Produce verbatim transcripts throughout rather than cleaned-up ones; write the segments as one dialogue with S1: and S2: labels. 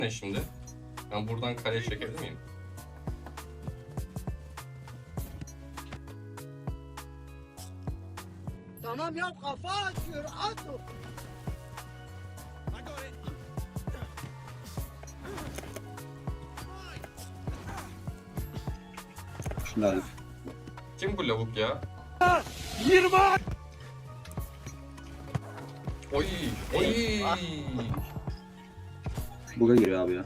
S1: ne şimdi? Ben buradan kaleye çekebilir miyim?
S2: Tamam ya, kafa atıyor, at o.
S3: Şunlar.
S1: Kim bu lavuk ya?
S2: yirmi.
S1: Oy! Oy!
S3: Buga giriyor abi ya.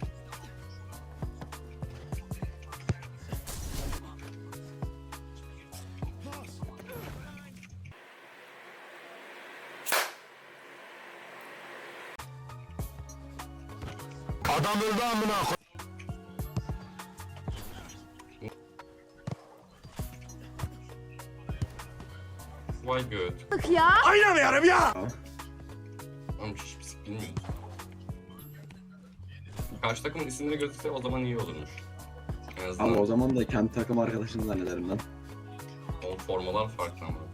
S4: Adam öldü amına koy.
S1: Vay göt.
S5: Ya.
S4: Oynamıyorum ya.
S1: Oğlum hiç pis bilmiyoruz. Karşı takımın isimleri gözükse o zaman iyi olurmuş. En azından
S3: Ama o zaman da kendi takım arkadaşını zannederim lan.
S1: o formalar farklı ama.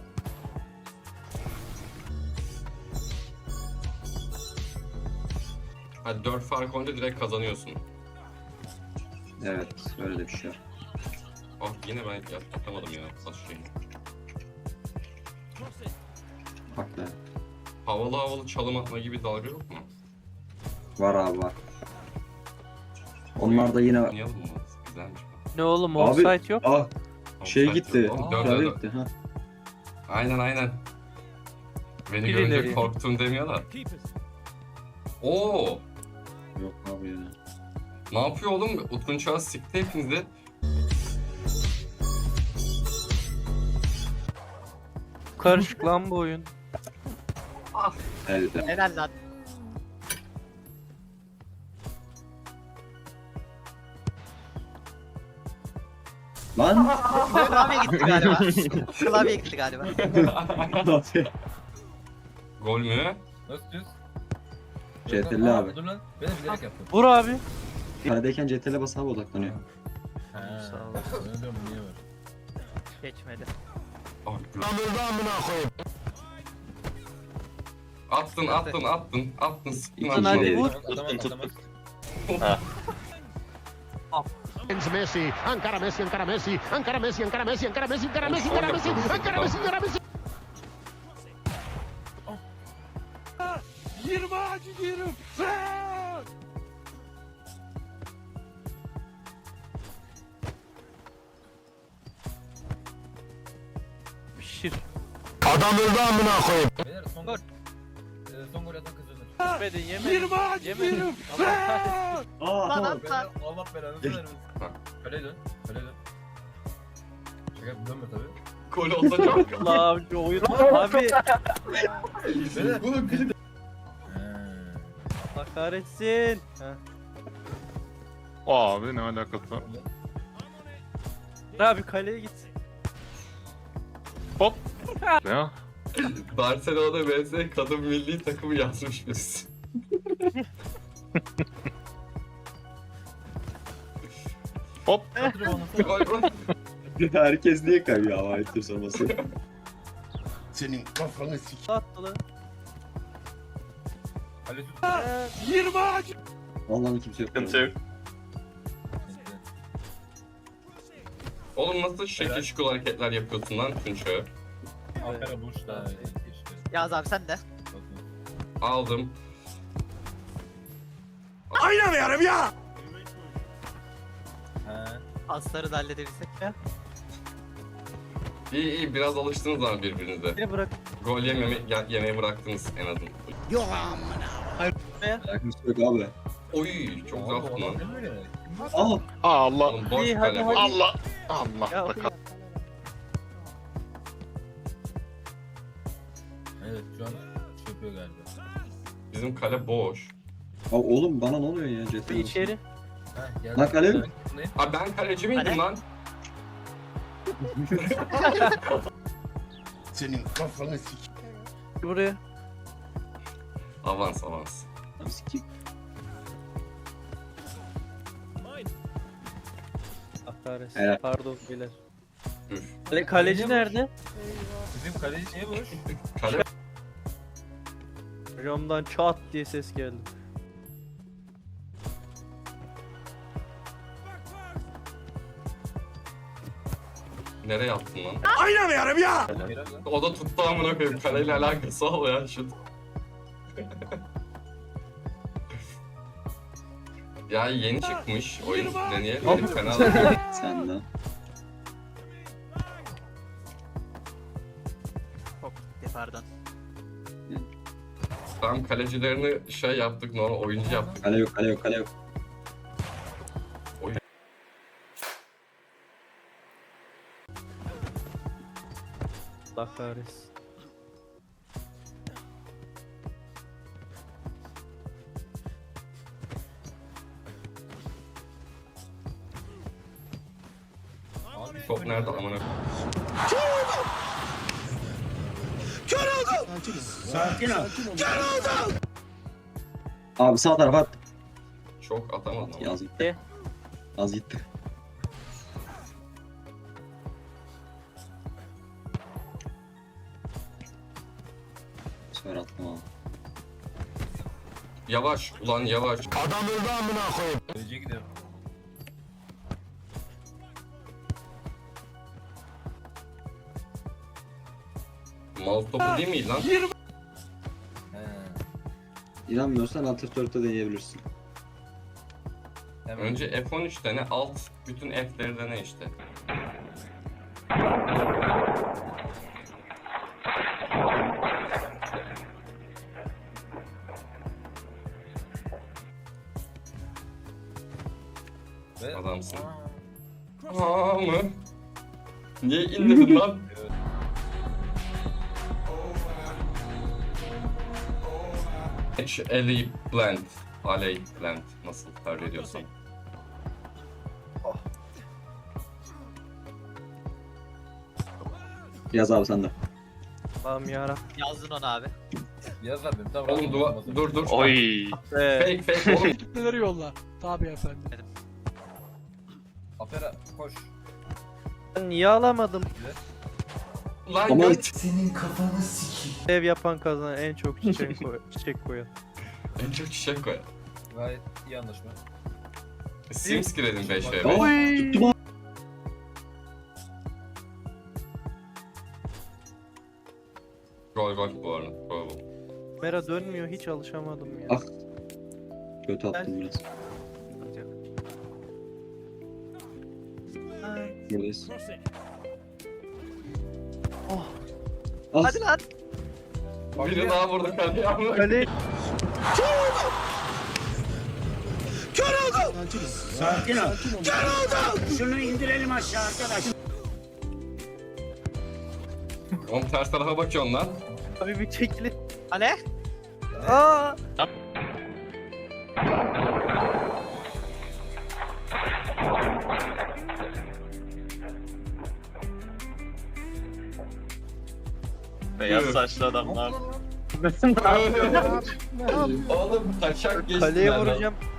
S1: Hadi dört fark olunca direkt kazanıyorsun.
S3: Evet, öyle de bir şey var.
S1: Ah yine ben yapamadım ya. Saç şeyi.
S3: Bak da.
S1: Havalı havalı çalım atma gibi dalga yok mu?
S3: Var abi var. Onlar da yine...
S1: Oynayalım mı? Güzelmiş bu.
S6: Ne oğlum
S3: Abi-
S6: offside yok.
S3: Ah, şey
S1: Offside
S3: gitti.
S1: yok. Oğlum, dörde
S3: Klavye
S1: dört.
S3: gitti ha.
S1: Aynen aynen. Beni
S6: Birileri.
S1: görünce korktum demiyor da. Oo!
S3: Yok abi ya.
S1: Ne yapıyor oğlum? Utku Çağ sikti hepinizi.
S6: Karışık lan bu oyun.
S3: Elde.
S2: Helal lan.
S3: Lan!
S2: Klavye gitti galiba. Klavye gitti galiba.
S1: Gol mü?
S7: Nasıl düz?
S3: C T L abi.
S7: Dur lan. Ben de bilerek yaptım.
S6: Vur abi.
S3: Kaledeyken C T L basına odaklanıyor.
S7: Ha.
S6: Sağ ol.
S7: Ben diyorum niye var?
S2: Geçmedi.
S1: Ah,
S4: Adam öldü amına koyayım.
S1: attın attın attın attın sıktın
S3: İkinci
S1: attın.
S3: değil.
S6: vur.
S7: Atamaz atamaz.
S4: Messi, encara Messi, encara Messi, encara Messi, encara Messi, encara Messi, encara Messi, encara Messi, encara Messi, encara Messi.
S2: yirmi acı yerim.
S6: Pişir.
S4: Adam öldü amına koyayım.
S7: Beyler son gol. Ee, son gol atan kazanır.
S6: Yemedin yemedin.
S2: yirmi acı
S6: Yemedin.
S2: yerim.
S3: Aa,
S2: Lan
S3: tamam.
S7: Beyler Allah belanı vermesin.
S1: Bak.
S7: Kaleye dön. Kaleye dön. Şaka dönme tabii.
S1: Gol olsa çok.
S6: Allah abi oyun. Abi.
S7: Beyler.
S1: Bunu bir de.
S6: Allah kahretsin. Heh.
S8: Abi ne alakası var?
S6: Abi kaleye git.
S8: Ya
S1: Barcelona vs kadın milli takımı yazmış biz.
S7: Kadro onu.
S1: Gol gol.
S3: Herkes niye kayıyor ama ayıptır sorması.
S4: Senin kafanı sik.
S6: Attı lan.
S7: Kaleci tut.
S2: yirmi acı.
S3: Allah'ın kimse yok.
S8: sıkıntı yok.
S1: Oğlum nasıl şekil şukul hareketler yapıyorsun lan Tunç'a?
S7: Ankara Burç da işte.
S2: Yaz abi sen de.
S1: Aldım.
S4: Oynamıyorum ya.
S7: Ha.
S2: Asları da halledebilsek ya.
S1: İyi iyi biraz alıştınız ama birbirinize.
S6: Beni bırak.
S1: Gol yememe, ya- yemeye bıraktınız en azından.
S3: Alakası yok abi.
S1: Oy çok güzel attın lan.
S7: Ne böyle?
S3: Aa!
S8: Allah
S1: Oğlum boş
S6: İyi, hadi,
S1: kale.
S6: hadi.
S8: Allah Allah
S6: Ya,
S8: bakalım.
S7: Evet şu an şey yapıyor galiba.
S1: Bizim kale boş.
S3: Aa, oğlum bana ne oluyor ya C T
S6: bir
S3: L?
S6: içeri.
S7: Ha, geldi.
S3: Lan kale mi?
S7: Ne?
S1: Abi ben kaleci miydim
S2: Kale?
S1: lan?
S4: Senin kafanı sik.
S6: Buraya.
S1: Avans avans.
S3: Sikik.
S6: Allah kahretsin.
S3: Helal.
S6: Pardon beyler.
S1: Üf.
S6: Kale, kaleci nerede?
S7: Bizim kaleci niye boş?
S1: Kale
S6: Camdan çat diye ses geldi.
S1: Nereye attın lan?
S7: Helal lan.
S1: O da tuttu amına koyayım. Kaleyle alakası olmayan şut. Ya yeni çıkmış oyun deneyelim. Benim fena değil.
S3: Sen de.
S2: Hop gitti pardon.
S1: Tam kalecilerini şey yaptık, normal oyuncu yaptık.
S3: Kale yok kale yok kale yok.
S6: Allah kahretsin.
S7: Abi
S1: Top nerede amına koyayım?
S3: Abi sağ tarafa at.
S1: Çok atamadım ama.
S3: Az gitti. Az gitti. Bu sefer attım abi.
S1: Yavaş ulan yavaş.
S7: Kaleciye gidiyorum.
S1: Mouse topu değil mi lan?
S7: He.
S3: İnanmıyorsan Alt F dörtte deneyebilirsin.
S7: Hemen.
S1: Önce F on üç dene, alt bütün F'leri dene işte.
S7: Ve-
S1: Adamsın.
S7: Aa.
S1: Aa mı? Niye indirdin lan? H. Alley Plant. Alley Plant. Nasıl tercih ediyorsan.
S3: Yaz abi sen de.
S6: Allah'ım yarabbim.
S2: Yazdın onu abi.
S7: Yaz abi. Tamam.
S1: Oğlum duva, dur dur.
S8: Oy.
S1: Fake fake oğlum.
S5: Neleri yolla. Tabii efendim.
S7: Afera koş.
S6: Ben niye alamadım?
S1: Lan
S3: Ama-
S1: göt.
S6: Ev yapan kazanan en çok çiçek, koy çiçek koyan.
S1: En çok çiçek koy.
S7: Gayet iyi anlaşma.
S1: Sims girelim beş ve
S3: Aa,
S1: beş.
S3: tuttum abi.
S1: Gol gol bu arada. Gol gol.
S6: Kamera dönmüyor, hiç alışamadım ya.
S3: Ah. Kötü attım biraz. Buradayız.
S6: Oh.
S3: Az.
S2: Hadi lan.
S1: Biri daha vurdu kaleye amına.
S6: Kale
S1: Oğlum ters tarafa bakıyorsun lan.
S6: abi bir çekili.
S2: Ale.
S6: Aa!
S8: Beyaz saçlı adamlar.
S1: Oğlum taşak geçtiler
S6: Kaleye
S1: lan.
S6: vuracağım.